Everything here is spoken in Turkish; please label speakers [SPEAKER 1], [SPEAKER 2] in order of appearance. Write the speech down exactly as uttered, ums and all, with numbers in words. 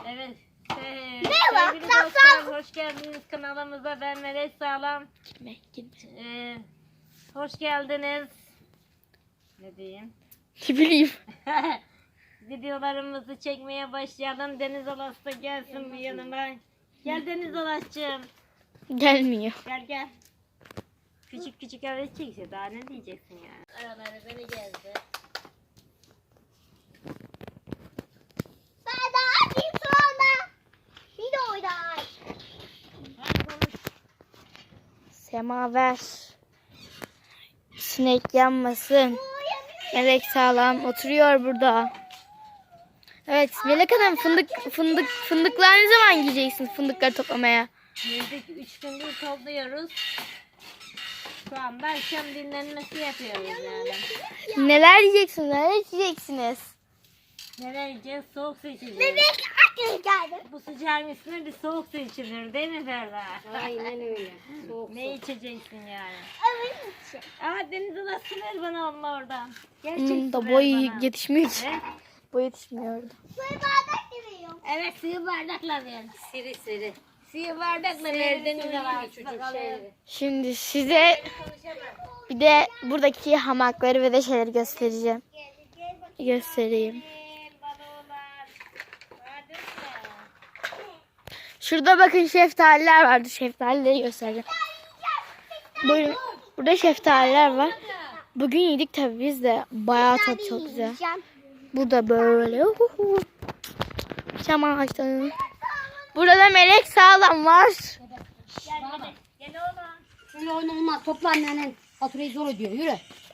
[SPEAKER 1] Evet. Ee,
[SPEAKER 2] Merhaba,
[SPEAKER 1] sevgili
[SPEAKER 2] sağ-
[SPEAKER 1] dostlar,
[SPEAKER 2] sağ-
[SPEAKER 1] hoş geldiniz kanalımıza. Ben Melek Sağlam.
[SPEAKER 3] Gitme, gitme.
[SPEAKER 1] Ee, hoş geldiniz. Ne diyeyim?
[SPEAKER 3] Ne bileyim.
[SPEAKER 1] Videolarımızı çekmeye başlayalım. Deniz Alas da gelsin bir yanıma. Gel Deniz Alas'cığım.
[SPEAKER 3] Gelmiyor.
[SPEAKER 1] Gel gel. Küçük küçük evet çekse daha ne diyeceksin yani. Araları beni geldi.
[SPEAKER 2] Ben de açayım sonra. Bir de oynar.
[SPEAKER 1] Hadi konuş.
[SPEAKER 3] Semaver. Sinek yanmasın. Melek Sağlam oturuyor burada. Evet Melek Hanım fındık fındık fındıklar ne zaman gideceksin fındıkları toplamaya?
[SPEAKER 1] Yedik üç gündür topluyoruz. Şu anda akşam dinlenmesi yapıyoruz yani.
[SPEAKER 3] Neler yiyeceksiniz? Neler içeceksiniz?
[SPEAKER 1] Nereye gideceğiz? Soğuk su içeceğiz.
[SPEAKER 2] Bebek akıl geldi.
[SPEAKER 1] Bu sıcağın üstüne bir soğuk su içilir değil mi Ferda?
[SPEAKER 4] Aynen öyle. Soğuk
[SPEAKER 1] Ne içeceksin yani?
[SPEAKER 2] Evet.
[SPEAKER 1] Aa Deniz Alas su ver bana onunla oradan. Gerçek
[SPEAKER 3] Hmm,
[SPEAKER 1] su
[SPEAKER 3] da
[SPEAKER 1] ver
[SPEAKER 3] boy
[SPEAKER 1] bana.
[SPEAKER 3] yetişmiyor ki.
[SPEAKER 1] Evet.
[SPEAKER 3] Boy yetişmiyordu.
[SPEAKER 2] Suyu bardak veriyorum.
[SPEAKER 1] Evet suyu bardakla ver.
[SPEAKER 4] Siri siri.
[SPEAKER 1] Suyu bardakla ver
[SPEAKER 4] Seri
[SPEAKER 1] Deniz
[SPEAKER 4] suyu
[SPEAKER 1] Alas.
[SPEAKER 4] gibi çocuk
[SPEAKER 1] Bakalım.
[SPEAKER 4] şeyleri.
[SPEAKER 3] Şimdi size bir de buradaki hamakları ve de şeyleri göstereceğim. Göstereyim.
[SPEAKER 1] Balolar. Hadi sen.
[SPEAKER 3] Şurada bakın şeftaliler vardı. Şeftalileri göstereceğim. Buyurun. Burada şeftaliler var. Bugün yedik tabii biz de. Bayağı tadı çok güzel.
[SPEAKER 2] Yiyeceğim.
[SPEAKER 3] Bu da böyle. Uhuhu. Çam ağaçları. Burada Melek Sağlam var.
[SPEAKER 1] Gel gel. Gel oğlum.
[SPEAKER 4] Şöyle oyun olmaz. Topla annenin. Faturayı zor ödüyor. Yürü.